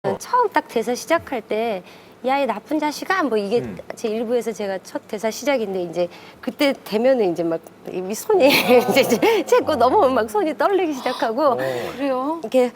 처음 딱 대사 시작할 때 야, 이 나쁜 자식아! 뭐 이게 제 일부에서 제가 첫 대사 시작인데 이제 그때 되면은 이제 막 이 손이 이제 제거 넘어오면 막 손이 떨리기 시작하고 그래요? 이렇게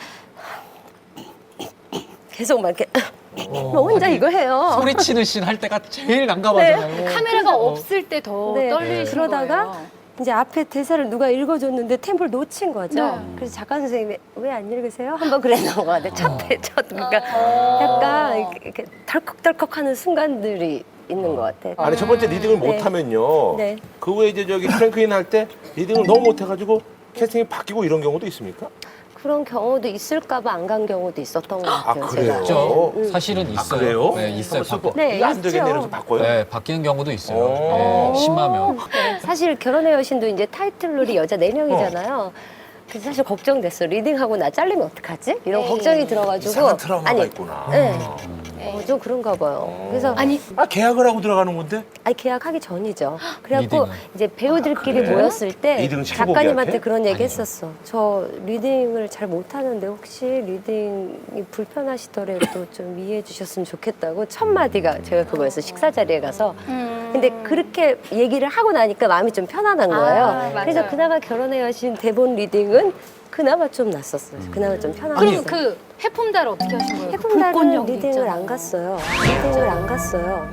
계속 막 이렇게 너 혼자 이거 해요. 소리치는 씬 할 때가 제일 난감하잖아요. 카메라가 없을 때 더 네. 떨리시는 그러다가 거예요. 이제 앞에 대사를 누가 읽어줬는데 템포를 놓친 거죠. 네. 그래서 작가 선생님이 왜 안 읽으세요? 한번 그랬던 것 같아요. 첫 그러니까 약간 이렇게 덜컥덜컥하는 순간들이 있는 것 같아요. 아니 첫 번째 리딩을 네. 못하면요. 네. 그 후에 이제 저기 프랭크인 할 때 리딩을 너무 못해가지고 캐스팅이 바뀌고 이런 경우도 있습니까? 그런 경우도 있을까봐 안 간 경우도 있었던 것 같아요. 아, 그래요? 제가. 있죠. 음. 사실은 있어요. 그래요? 네, 있어요. 네, 이게 안 되겠네 있죠. 이래서 바꿔요? 네, 바뀌는 경우도 있어요. 오. 네, 심하면. 사실 결혼의 여신도 이제 타이틀롤이 여자 4명이잖아요. 그래서 사실 걱정됐어. 리딩하고 나 잘리면 어떡하지? 이런 걱정이 들어가지고. 이상한 트라우마가 있구나. 네. 좀 그런가 봐요. 그래서 아니 아 계약을 하고 들어가는 건데? 계약하기 전이죠. 그래갖고 리딩은? 이제 배우들끼리 그래? 모였을 때 리딩 치고 작가님한테 계약해? 그런 얘기 했었어. 저 리딩을 잘 못하는데 혹시 리딩이 불편하시더라도 좀 이해해 주셨으면 좋겠다고 첫 마디가 제가 그거였어. 식사 자리에 가서. 근데 그렇게 얘기를 하고 나니까 마음이 좀 편안한 거예요. 맞아요. 그래서 그나마 결혼의 여신 대본 리딩은 그나마 좀 났었어요. 그나마 좀 편안했어요. 그럼 그 해품달 어떻게 하신 거예요? 그 해품달은 불꽃령도 리딩을 있잖아요. 안 갔어요. 리딩을 안 갔어요.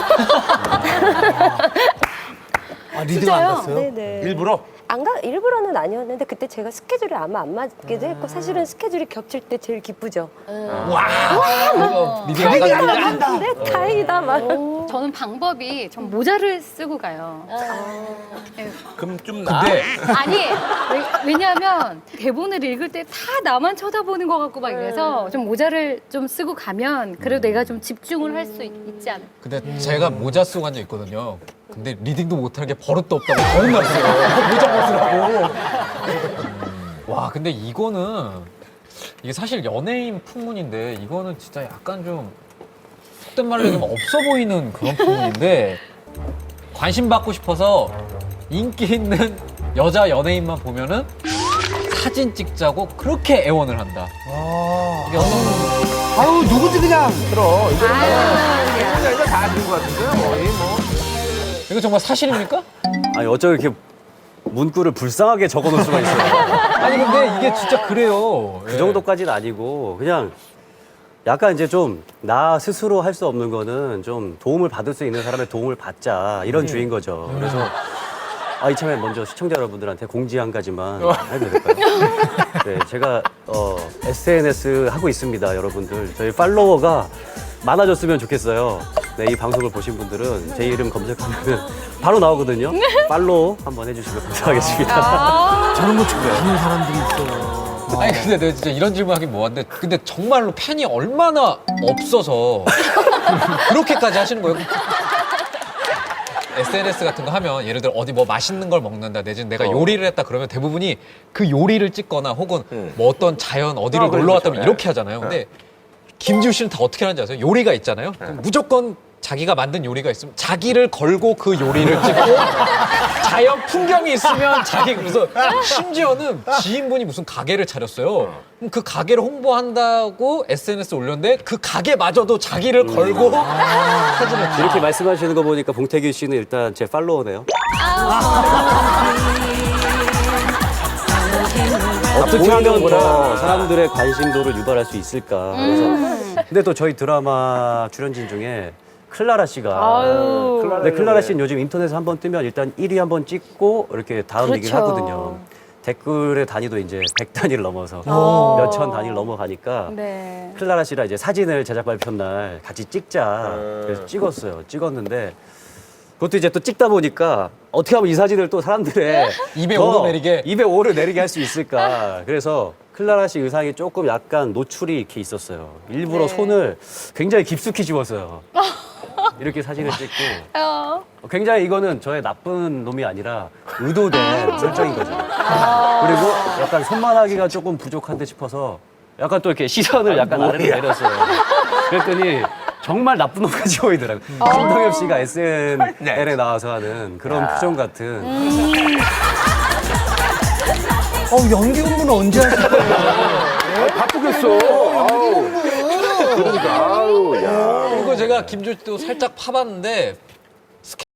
아, 리딩 안 갔어요? 네네. 일부러? 일부러는 아니었는데 그때 제가 스케줄이 아마 안 맞기도 했고 사실은 스케줄이 겹칠 때 제일 기쁘죠. 그리고 리딩 안 가지고 근데 다행이다 막. 저는 방법이 전 모자를 쓰고 가요. 네. 그럼 좀 나. 근데 아니 왜냐하면 대본을 읽을 때 다 나만 쳐다보는 것 같고 막 이래서 좀 모자를 좀 쓰고 가면 그래도 내가 좀 집중을 할 수 있지 않을까. 근데 제가 모자 쓰고 간 적 있거든요. 근데 리딩도 못하는 게 버릇도 없다고 더 혼났어요. 모자 벗으라고. 와, 근데 이거는 이게 사실 연예인 풍문인데 이거는 진짜 약간 좀 속된 말로 얘기하면 없어 보이는 그런 풍문인데 관심 받고 싶어서 인기 있는 여자 연예인만 보면은 사진 찍자고 그렇게 애원을 한다. 이게 어떤 아유, 누구지 그냥. 들어. 이거는 이거 다 아는 것 같은데요? 거의 뭐. 이거 정말 사실입니까? 아니 어쩜 이렇게 문구를 불쌍하게 적어놓을 수가 있어요. 아니 근데 이게 진짜 그래요. 그 정도까지는 아니고 그냥 약간 이제 좀 나 스스로 할 수 없는 거는 좀 도움을 받을 수 있는 사람의 도움을 받자 이런 주의인 거죠. 그래서 이참에 먼저 시청자 여러분들한테 공지 한 가지만 해도 될까요? 네, 제가 SNS 하고 있습니다, 여러분들. 저희 팔로워가 많아졌으면 좋겠어요. 네, 이 방송을 보신 분들은 제 이름 검색하면 바로 나오거든요. 팔로우 한번 해주시면 감사하겠습니다. 저는 뭐 좋아하는 사람들이 있어요. 아니 근데 내가 진짜 이런 질문 하긴 뭐한데 근데 정말로 팬이 얼마나 없어서 그렇게까지 하시는 거예요? SNS 같은 거 하면 예를 들어 어디 뭐 맛있는 걸 먹는다 내지는 내가 요리를 했다 그러면 대부분이 그 요리를 찍거나 혹은 뭐 어떤 자연 어디를 그렇죠. 놀러 왔다면 네. 이렇게 하잖아요. 근데 김지우 씨는 다 어떻게 하는지 아세요? 요리가 있잖아요. 그럼 무조건 자기가 만든 요리가 있으면 자기를 걸고 그 요리를 찍고 자연 풍경이 있으면 자기 그래서 심지어는 지인분이 무슨 가게를 차렸어요. 그럼 그 가게를 홍보한다고 SNS에 올렸는데 그 가게마저도 자기를 걸고 사진을 이렇게 말씀하시는 거 보니까 봉태규 씨는 일단 제 팔로워네요. 어떻게 하면 더 사람들의 관심도를 유발할 수 있을까. 그래서 근데 또 저희 드라마 출연진 중에 클라라 씨가 근데 클라라 씨는 요즘 인터넷에 한번 뜨면 일단 1위 한번 찍고 이렇게 다음 얘기를 하거든요. 댓글의 단위도 이제 100단위를 넘어서 몇천 단위를 넘어가니까 네. 클라라 씨랑 이제 사진을 제작 발표 날 같이 찍자. 그래서 찍었어요. 찍었는데 그것도 이제 또 찍다 보니까 어떻게 하면 이 사진을 또 사람들의 입에 더 오를 내리게? 입에 오를 내리게 할 수 있을까. 그래서 클라라 씨 의상이 조금 약간 노출이 이렇게 있었어요. 일부러 손을 굉장히 깊숙이 집었어요. 이렇게 사진을 찍고 굉장히 이거는 저의 나쁜 놈이 아니라 의도된 설정인 거죠. 그리고 약간 손만하기가 조금 부족한데 싶어서 약간 또 이렇게 시선을 약간 아래로 내렸어요. 그랬더니 정말 나쁜 놈 같이 보이더라고요. 신동엽 씨가 SNL에 나와서 하는 그런 표정 같은. 연기 공부는 언제 하실 거예요? 바쁘겠어. 아우. 아우, 야. 그리고 제가 김조씨도 살짝 파봤는데